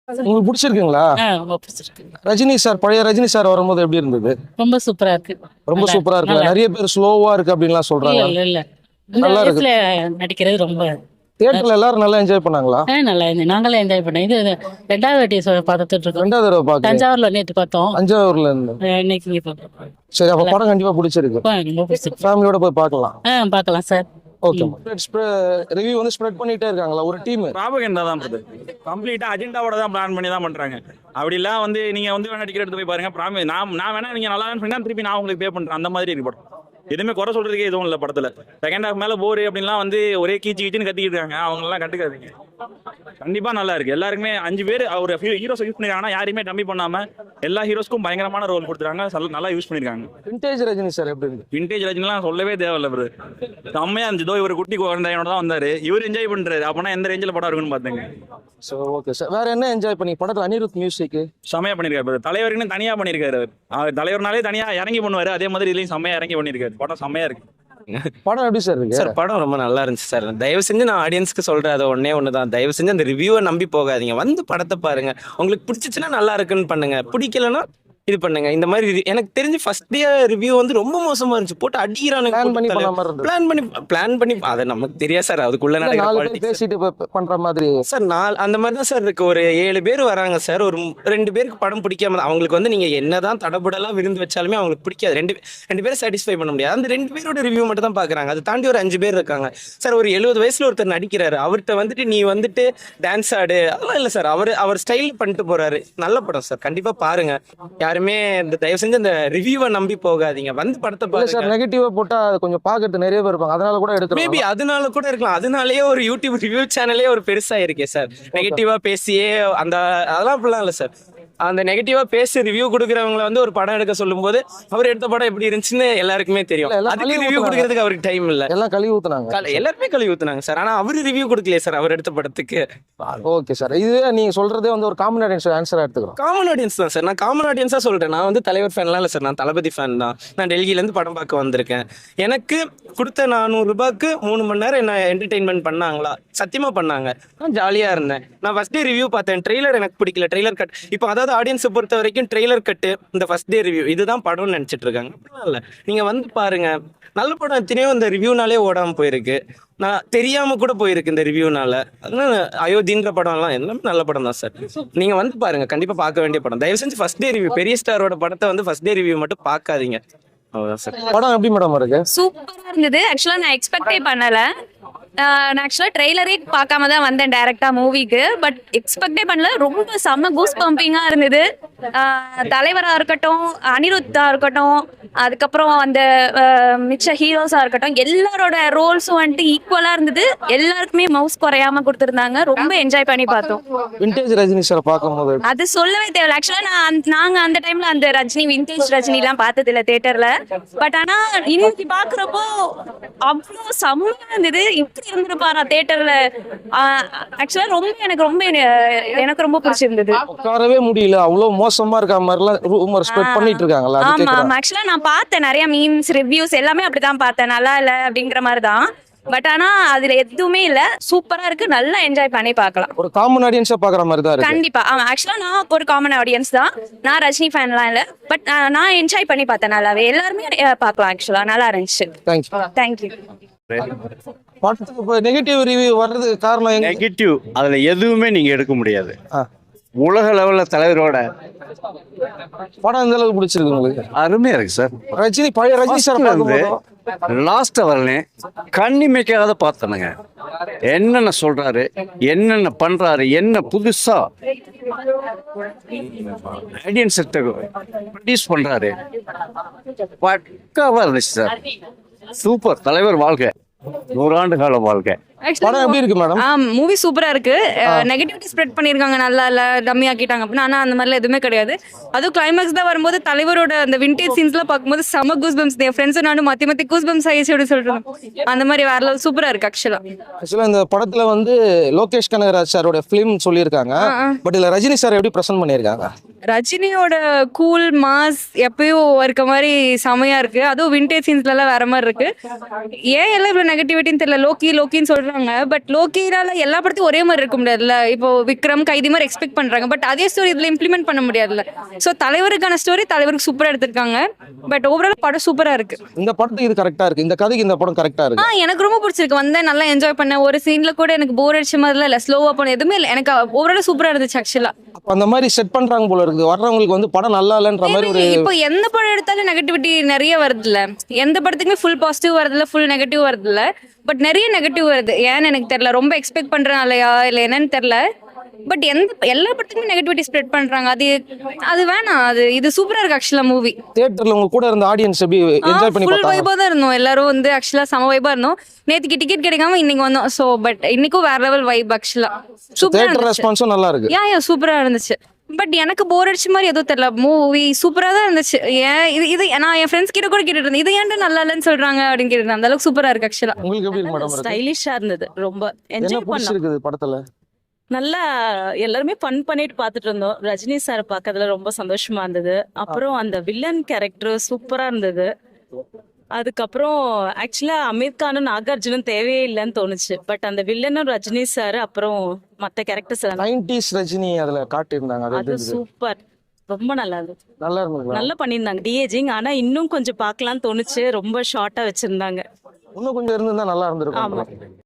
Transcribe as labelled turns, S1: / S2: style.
S1: உங்களுக்கு பிடிச்சிருக்குங்களா?
S2: ரொம்ப பிடிச்சிருக்கு.
S1: ரஜினி சார், பழைய ரஜினி சார் வரும்போது எப்படி இருந்தது?
S2: ரொம்ப சூப்பரா இருக்கு.
S1: ரொம்ப சூப்பரா இருக்குல்ல. நிறைய பேர் ஸ்லோவா இருக்கு அப்படின்லாம்
S2: இல்ல
S1: சொல்றாங்க.
S2: இல்ல இல்ல இந்த
S1: நல்லா இருக்கு.
S2: வயசுல நடிக்கிறது ரொம்ப
S1: தியேட்டர்ல எல்லாரும் நல்லா என்ஜாய் பண்ணாங்களா?
S2: நல்லா இருந்தது. நாங்களே என்ஜாய் பண்ணோம். இது ரெண்டாவது வாட்டி பார்த்துட்டு இருக்கோம்.
S1: ரெண்டாவது தடவை பாக்குறேன்.
S2: தஞ்சாவூர்ல நேற்று பார்த்தோம்.
S1: தஞ்சாவூர்ல இருந்து.
S2: இன்னைக்கு இங்க பார்க்கிறோம்.
S1: சரி, அப்ப படம் கண்டிப்பா பிடிச்சிருக்கு.
S2: ரொம்ப பிடிச்சிருக்கு.
S1: ஃபேமிலியோட போய் பார்க்கலாம்.
S2: பார்க்கலாம் சார்.
S1: ஓகே. ரிவ்யூ வந்து ஸ்ப்ரெட் பண்ணிட்டே இருக்காங்களா ஒரு டீம்?
S3: ப்ராபகண்டா தான் இது. கம்ப்ளீட்டா அஜெண்டாவோட தான் பிளான் பண்ணி தான் பண்றாங்க. அப்படிலாம் வந்து நீங்க வந்து வேணா டிக்கெட் எடுத்து போய் பாருங்க. நான் வேணா நீங்க நல்லா சொன்னா திருப்பி நான் உங்களுக்கு பே பண்றேன். அந்த மாதிரி இருக்கு படம். எதுவுமே குறை சொல்றதுக்கே எதுவும் இல்லை படத்துல. செகண்ட் ஹாஃப் மேல போர் அப்படின்லாம் வந்து ஒரே கீச்சு கீச்சுன்னு கத்திக்கிட்டு இருக்காங்க. அவங்க எல்லாம் கட்டுக்காதீங்க. கண்டிப்பா நல்லா இருக்கு. எல்லாருக்குமே 5 பேர் ஒரு ஹீரோஸ் யூஸ் பண்ணிருக்காங்கன்னா யாரையுமே கம்மி பண்ணாம எல்லா ஹீரோஸ்க்கும் பயங்கரமான ரோல் கொடுத்துருக்காங்க. நல்லா யூஸ் பண்ணிருக்காங்க.
S1: விண்டேஜ் ரஜினி சார் எப்படி இருக்கு?
S3: விண்டேஜ் ரஜினிலாம் சொல்லவே தேவையில்ல ப்ரோ. செம்மையா இருந்துச்சு. ஒரு குட்டி குழந்தையோட தான் வந்தாரு. இவர் என்ஜாய் பண்றாரு. அப்பனா எந்த ரேஞ்சில் படம் இருக்குன்னு பாத்துங்க.
S1: So okay sir. வேற என்ன என்ஜாய் பண்ணி படத்துல? அனிருத் மியூசிக்
S3: செம்மையா பண்ணிருக்காரு. தலைவருக்குன்னு தனியா பண்ணிருக்காரு. தலைவர்னாலே தனியா இறங்கி பண்ணுவாரு. அதே மாதிரி இதுலயும் செம்மையா இறங்கி பண்ணிருக்காரு. படம் செம்மையா இருக்கு.
S1: படம் எப்படி சார் இருக்கு?
S4: சார் படம் ரொம்ப நல்லா இருந்துச்சு சார். தயவு செஞ்சு நான் ஆடியன்ஸ்க்கு சொல்றேன், அது ஒண்ணு தான். தயவு செஞ்சு அந்த ரிவ்யூவை நம்பி போகாதீங்க. வந்து படத்தை பாருங்க. உங்களுக்கு பிடிச்சிச்சுன்னா நல்லா இருக்குன்னு பண்ணுங்க, பிடிக்கலன்னா இது பண்ணுங்க. இந்த மாதிரி எனக்கு தெரிஞ்சு ஃபர்ஸ்ட் டே ரிவ்யூ வந்து ரொம்ப மோசமா இருந்துச்சு. போட்டு அடிக்கிறானுங்க. பிளான் பண்ணி அதை நமக்கு தெரியாது சார். அதுக்குள்ள
S1: பேசிட்டு பண்ற மாதிரி
S4: சார். அந்த மாதிரி தான் சார் இருக்கு. ஒரு 7 பேர் வராங்க சார். ஒரு 2 பேருக்கு படம் பிடிக்காம அவங்களுக்கு வந்து நீங்க என்னதான் தடபடலாம் விருந்து வச்சாலுமே அவங்களுக்கு பிடிக்காது. ரெண்டு பேரும் சாட்டிஸ்ஃபை பண்ண முடியாது. அந்த 2 பேரோட ரிவ்யூ மட்டும் தான் பாக்குறாங்க. அதை தாண்டி ஒரு 5 பேர் இருக்காங்க சார். ஒரு 70 வயசுல ஒருத்தர் நடிக்கிறாரு. அவர்கிட்ட வந்துட்டு நீ வந்துட்டு டான்ஸ் ஆடு அதெல்லாம் இல்லை சார். அவர் ஸ்டைல் பண்ணிட்டு போறாரு. நல்ல படம் சார். கண்டிப்பா பாருங்க. யாருமே இந்த தயவு செஞ்சு அந்த ரிவ்யூவை நம்பி போகாதீங்க. வந்து படத்தை பாருங்க
S1: சார். நெகட்டிவா போட்டா கொஞ்சம் பாக்குறது நிறைய பேர் இருப்பாங்க. அதனால கூட எடுக்கலாம்.
S4: மேபி அதனால கூட இருக்கலாம். அதனாலேயே ஒரு யூடியூப் ரிவ்யூ சேனலே ஒரு பெருசா இருக்கே சார். நெகட்டிவா பேசியே அதெல்லாம் அப்படிலாம் இல்லை சார். அந்த நெகட்டிவா பேசி ரிவ்யூ கொடுக்குறவங்களை வந்து ஒரு படம் எடுக்க சொல்லும் போது அவர் எடுத்த படம் எப்படி இருந்துச்சுன்னு எல்லாருக்குமே தெரியும். அதுக்கு ரிவ்யூ கொடுக்கறதுக்கு அவருக்கு டைம் இல்லை.
S1: எல்லாம் கழுவி ஊத்துனாங்க.
S4: எல்லாருமே கழுவி ஊத்துனாங்க சார். ஆனா அவரு ரிவ்யூ கொடுக்கலையே சார் அவர் எடுத்த படத்துக்கு.
S1: Okay sir. இது நீங்க சொல்றதே வந்து ஒரு காமன் ஆடியன்ஸ் ஆன்சரா எடுத்துக்கிறோம்.
S4: காமன் ஆடியன்ஸ் தான் சார். நான் காமன் ஆடியன்ஸா சொல்றேன். நான் வந்து தலைவர் ஃபேன்லாம் இல்லை சார். நான் தளபதி ஃபேன் தான். நான் டெல்லியில இருந்து படம் பார்க்க வந்திருக்கேன். எனக்கு கொடுத்த 400 ரூபாய்க்கு 3 மணி நேரம் என்ன என்டர்டெயின்மெண்ட் பண்ணாங்களா? சத்தியமா பண்ணாங்க. நான் ஜாலியா இருந்தேன். நான் ஃபர்ஸ்ட் டே ரிவ்யூ பார்த்தேன். ட்ரெய்லர் எனக்கு பிடிக்கல. Trailer cut. இப்போ அதாவது ஆடியன்ஸை பொறுத்த வரைக்கும் ட்ரெய்லர் கட்டு இந்த ஃபர்ஸ்ட் டே ரிவ்யூ இதுதான் படம்னு நினைச்சிட்டு இருக்காங்க. இல்லை, நீங்க வந்து பாருங்க. நல்ல படம் எத்தனையோ இந்த ரிவ்யூனாலே ஓடாம போயிருக்கு. நான் தெரியாம கூட போயிருக்கு இந்த ரிவ்யூனால. அதனால அயோத்தின்ற படம் எல்லாம் எல்லாமே நல்ல படம் தான் சார். நீங்க வந்து பாருங்க. கண்டிப்பா பார்க்க வேண்டிய படம். தயவு செஞ்சு ஃபர்ஸ்ட் டே ரிவ்யூ பெரிய ஸ்டாரோட படத்தை வந்து ஃபர்ஸ்ட் டே ரிவ்யூ மட்டும் பார்க்காதீங்க. அவ்வளவுதான் சார்.
S1: படம் எப்படி மேடம் இருக்கு?
S5: சூப்பரா இருந்தது. ஆக்சுவலா நான் எக்ஸ்பெக்டே பண்ணல. நான் ஆக்சுவலாக ட்ரெய்லரே பார்க்காம தான் வந்தேன் டைரக்டாக மூவிக்கு. பட் எக்ஸ்பெக்டே பண்ணல. ரொம்ப செம்ம கூஸ் பம்பிங்காக இருந்தது. தலைவராக இருக்கட்டும், அனிருத்தாக இருக்கட்டும், அதுக்கப்புறம் அந்த மிச்ச ஹீரோஸாக இருக்கட்டும், எல்லாரோட ரோல்ஸும் வந்துட்டு ஈக்குவலாக இருந்தது. எல்லாருக்குமே மவுஸ் குறையாம கொடுத்துருந்தாங்க. ரொம்ப என்ஜாய் பண்ணி பார்த்தோம்.
S1: விண்டேஜ் ரஜினி சார் பார்க்கும்போது
S5: அது சொல்லவே தேவையில்ல. ஆக்சுவலாக நாங்கள் அந்த டைமில் அந்த விண்டேஜ் ரஜினிலாம் பார்த்ததில்ல தேட்டரில். பட் ஆனால் இன்னைக்கு பார்க்குறப்போ அவ்வளோ செம்மையாக இருந்தது. இப்படி இருந்திருப்பாரா தேட்டர்ல? ஆக்சுவலா எனக்கு ரொம்ப பிடிச்சிருந்தது.
S1: உட்காரவே முடியல. அவ்வளவு மோசமா இருக்க மாதிரிலாம் ரூமர் ஸ்ப்ரெட் பண்ணிட்டு இருக்காங்களா?
S5: ஆமா, ஆக்சுவலா நான் பார்த்தேன் நிறைய மீம்ஸ், ரிவ்யூஸ் எல்லாமே அப்படிதான் பார்த்தேன். நல்லா இல்ல அப்படிங்கிற மாதிரி தான். பட் ஆனா அதுல எதுவுமே இல்ல. சூப்பரா இருக்கு. நல்லா என்ஜாய் பண்ணி பார்க்கலாம்.
S1: ஒரு காமன் ஆடியன்ஸா பாக்குற மாதிரி தான் இருக்கு.
S5: கண்டிப்பா. ஆக்சுவலா நான் ஒரு காமன் ஆடியன்ஸ் தான். நான் ரஜினி ஃபேன்லாம் இல்ல. பட் நான் என்ஜாய் பண்ணி பார்த்தேன். நல்லாவே எல்லாருமே பார்க்கலாம். ஆக்சுவலா நல்லா இருந்துச்சு. தேங்க்யூ.
S1: படத்துக்கு இப்போ நெகட்டிவ் ரிவ்யூ வர்றதுக்கு காரணம்
S6: நெகட்டிவ் அதுல எதுவுமே நீங்க எடுக்க முடியாது. உலக லெவல்ல தலைவரோட
S1: படம் எந்த அளவுக்கு பிடிச்சிருக்கு உங்களுக்கு?
S6: அருமையா இருக்கு சார்.
S1: பழைய ரஜினி சார்
S6: லாஸ்ட் வரலேன் கண்ணிமைக்காத பார்த்தனுங்க. என்னென்ன சொல்றாரு, என்னென்ன பண்றாரு, என்ன புதுசா ஆடியன்ஸ் ப்ரொடியூஸ் பண்றாரு. பக்காவா இருந்துச்சு சார். சூப்பர். தலைவர் வாழ்க. 100 ஆண்டு கால வாழ்க்கை.
S1: படம் எப்படி இருக்கு மேடம்?
S5: மூவி சூப்பரா இருக்கு. நெகட்டிவிட்டி ஸ்ப்ரெட் பண்ணிருக்காங்க. நல்லா இல்ல, டம்மி ஆக்கிட்டாங்க அப்படின்னா. ஆனா அந்த மாதிரிலாம் எதுவுமே கிடையாது. அதுவும் கிளைமேக்ஸ் தான் வரும்போது தலைவரோட அந்த விண்டேஜ் சீன்ஸ்லாம் பார்க்கும்போது செம கூஸ் பம்ப்ஸ். என் ஃப்ரெண்ட்ஸும் நானும் மாத்தி கூஸ் பம்ப்ஸ் ஆயிடுச்சு சொல்றேன். அந்த மாதிரி வேற லெவல் சூப்பரா இருக்கு. ஆக்சுவலா இந்த படத்துல வந்து
S1: லோகேஷ் கனகராஜ் சாரோட ஃபிலிம் சொல்லியிருக்காங்க. பட் இதுல ரஜினி சார் எப்படி பிரசன்ட் பண்ணியிருக்காங்க?
S5: ரஜினியோட கூல் மாஸ் எப்பயும் இருக்க மாதிரி செமையா இருக்கு. அதுவும் விண்டேஜ் சீன்ஸ்ல எல்லாம் வேற மாதிரி இருக்கு. ஏன் எல்லாம் இவ்வளவு நெகட்டிவிட்டின்னு தெரியல. லோக்கின்னு சொல்ற சொல்றாங்க. பட் லோக்கினால எல்லா படத்தையும் ஒரே மாதிரி இருக்க முடியாதுல்ல. இப்போ விக்ரம் கைதி மாதிரி எக்ஸ்பெக்ட் பண்றாங்க. பட் அதே ஸ்டோரி இதுல இம்ப்ளிமெண்ட் பண்ண முடியாதுல்ல. ஸோ தலைவருக்கான ஸ்டோரி தலைவருக்கு சூப்பரா எடுத்திருக்காங்க. பட் ஓவரால் படம் சூப்பரா இருக்கு.
S1: இந்த படத்துக்கு இது கரெக்டா இருக்கு, இந்த கதைக்கு இந்த படம் கரெக்டா இருக்கு.
S5: எனக்கு ரொம்ப பிடிச்சிருக்கு. வந்தேன், நல்லா என்ஜாய் பண்ணேன். ஒரு சீன்ல கூட எனக்கு போர் அடிச்ச மாதிரிலாம் இல்ல, ஸ்லோவா போன எதுவுமே இல்லை. எனக்கு ஓவரால் சூப்பரா இருந்துச்சு ஆக்சுவலா.
S1: அப்ப அந்த மாதிரி செட் பண்றாங்க போல இருக்குது, வர்றவங்களுக்கு வந்து படம் நல்லா இல்லைன்ற மாதிரி ஒரு
S5: இப்போ எந்த படம் எடுத்தாலும் நெகட்டிவிட்டி நிறைய வருதுல்ல. எந்த படத்துக்குமே ஃபுல் பாசிட்டிவ் வருதுல்ல, ஃபுல் நெகட்டிவ் வருதுல்ல. பட் நிறைய நெகட்டிவ் வருது. ஏன்னு எனக்கு தெரியல, ரொம்ப எக்ஸ்பெக்ட் பண்றனாலயா இல்ல என்னன்னு தெரியல. பட் எல்லா படத்துக்குமே நெகட்டிவிட்டி ஸ்ப்ரெட் பண்றாங்க. அது வேணாம். இது சூப்பரா இருக்கு ஆக்சுவலா மூவி.
S1: தியேட்டர்ல உங்க கூட இருந்த ஆடியன்ஸ் எப்படி என்ஜாய் பண்ணி
S5: ஃபுல்
S1: பார்த்தாங்க?
S5: வைபா தான் இருந்தோம் எல்லாரும். வந்து ஆக்சுவலா சம வைபா இருந்தோம். நேத்துக்கு டிக்கெட் கிடைக்காம இன்னைக்கு வந்தோம். ஸோ பட் இன்னைக்கும் வேற லெவல் வைப் ஆக்சுவலா. சூப்பரா
S1: தியேட்டர்
S5: இருந்துச்சு.
S1: ரெஸ்பான்ஸும் நல்லா இருக்கு.
S5: யா சூப்பரா இருந்துச்சு. பட் எனக்கு போர் அடிச்ச மாதிரி எதுவும் தெரியல. மூவி சூப்பரா தான் இருந்துச்சு. ஏன் இது நான் என் ஃப்ரெண்ட்ஸ் கிட்ட கூட கேட்டுட்டு இருந்தேன், இது ஏன்டா நல்லா இல்லைன்னு சொல்றாங்க அப்படின்னு கேட்டு. அந்த அளவுக்கு சூப்பரா இருக்கு ஆக்சுவலா.
S1: உங்களுக்கு எப்படி இருக்கு மேடம்?
S7: ஸ்டைலிஷா இருந்தது. ரொம்ப
S1: என்ன
S7: என்ஜாய் பண்ணோம்.
S1: பிடிச்சிருக்குது படத்துல?
S7: நல்லா எல்லாருமே ஃபன் பண்ணிட்டு பார்த்துட்டு இருந்தோம். ரஜினி சார் பார்க்கறதுல ரொம்ப சந்தோஷமா இருந்தது. அப்புறம் அந்த வில்லன் கேரக்டர் சூப்பரா இருந்தது. அதுக்கப்புறம் ஆக்சுவலா அமீர் கானும் நாகார்ஜுனும் தேவையே இல்லைன்னு தோணுச்சு. பட் அந்த வில்லனும் ரஜினி சார் அப்புறம் மற்ற கேரக்டர்ஸ்
S1: 90s ரஜினி அதுல காட்டியிருந்தாங்க. அது எப்படி
S7: அது
S1: இருந்தது?
S7: சூப்பர். ரொம்ப நல்லா இருந்தது.
S1: நல்லா இருந்தது.
S7: நல்லா பண்ணியிருந்தாங்க டிஏஜிங். ஆனா இன்னும் கொஞ்சம் பார்க்கலாம்னு தோணுச்சு. ரொம்ப ஷார்ட்டா வச்சிருந்தாங்க.
S1: இன்னும் கொஞ்சம் இருந்திருந்தா நல்லா
S7: ஆமா.
S1: இருந்திருக்கும்.